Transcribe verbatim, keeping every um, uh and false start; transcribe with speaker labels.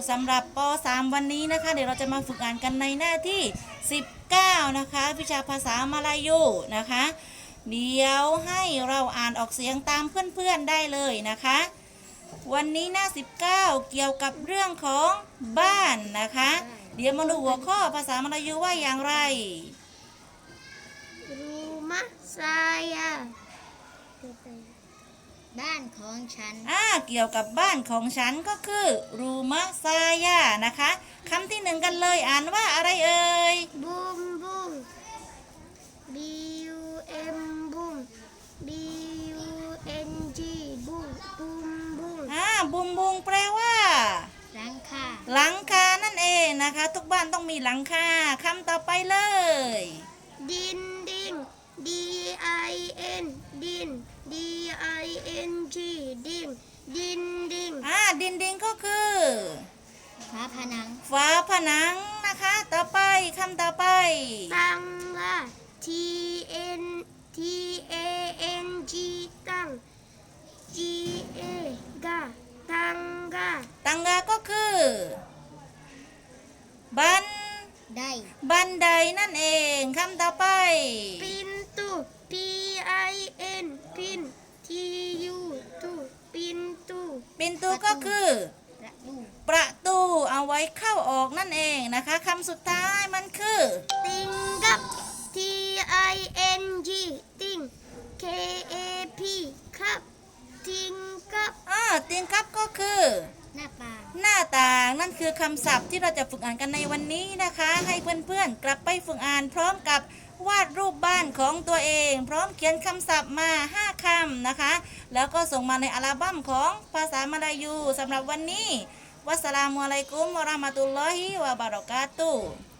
Speaker 1: สำหรับป .สาม วันนี้นะคะเดี๋ยวเราจะมาฝึกอ่านกันในหน้าที่สิบเก้านะคะวิชาภาษามาลายูนะคะเดี๋ยวให้เราอ่านออกเสียงตามเพื่อนๆได้เลยนะคะวันนี้หน้าสิบเก้าเกี่ยวกับเรื่องของบ้านนะคะเดี๋ยวมาดูหัวข้อภาษามาลายูว่าอย่างไร
Speaker 2: Rumah saya บ้านของฉัน
Speaker 1: อ่าเกี่ยวกับบ้านของฉันก็คือรูมะซายานะคะคำที่หนึ่งกันเลยอ่านว่าอะไรเอ่ย
Speaker 2: บุมบุม B U M บุม B U N G บุมบุมบุม
Speaker 1: อ่าบุงบุงแปลว่า
Speaker 2: หลังคา
Speaker 1: หลังคานั่นเองนะคะทุกบ้านต้องมีหลังคาคำต่อไปเลย
Speaker 2: ดินดิน D I N ดิน D I N G ดินดินดิน
Speaker 1: อ่าดินดินก็คือ
Speaker 2: ฝาผนัง
Speaker 1: ฝาผนังนะคะต่อไปคำต่อไป
Speaker 2: ตังกา T N T A N G ตัง G A กาตังกา
Speaker 1: ตังกาก็คือบัน
Speaker 2: ได
Speaker 1: บันไดนั่นเองคำต่อไป
Speaker 2: ปินตู P I N ปิน T U ตูปินตู
Speaker 1: ปินตูก็คือประตูเอาไว้เข้าออกนั่นเองนะคะคำสุดท้ายมันคือ
Speaker 2: ติงกับ T I N G ติง K A P ครับติงกับ
Speaker 1: อ่าติงกับก็คือ
Speaker 2: หน้าต่าง
Speaker 1: หน้าต่างนั่นคือคำศัพท์ที่เราจะฝึกอ่านกันในวันนี้นะคะให้เพื่อนๆกลับไปฝึกอ่านพร้อมกับวาดรูปบ้านของตัวเองพร้อมเขียนคำศัพท์มาห้าคำนะคะแล้วก็ส่งมาในอัลบั้มของภาษามาลายูสำหรับวันนี้วัสสลามุอะลัยกุมวะเราะห์มะตุลลอฮิวะบะเราะกาตุฮ์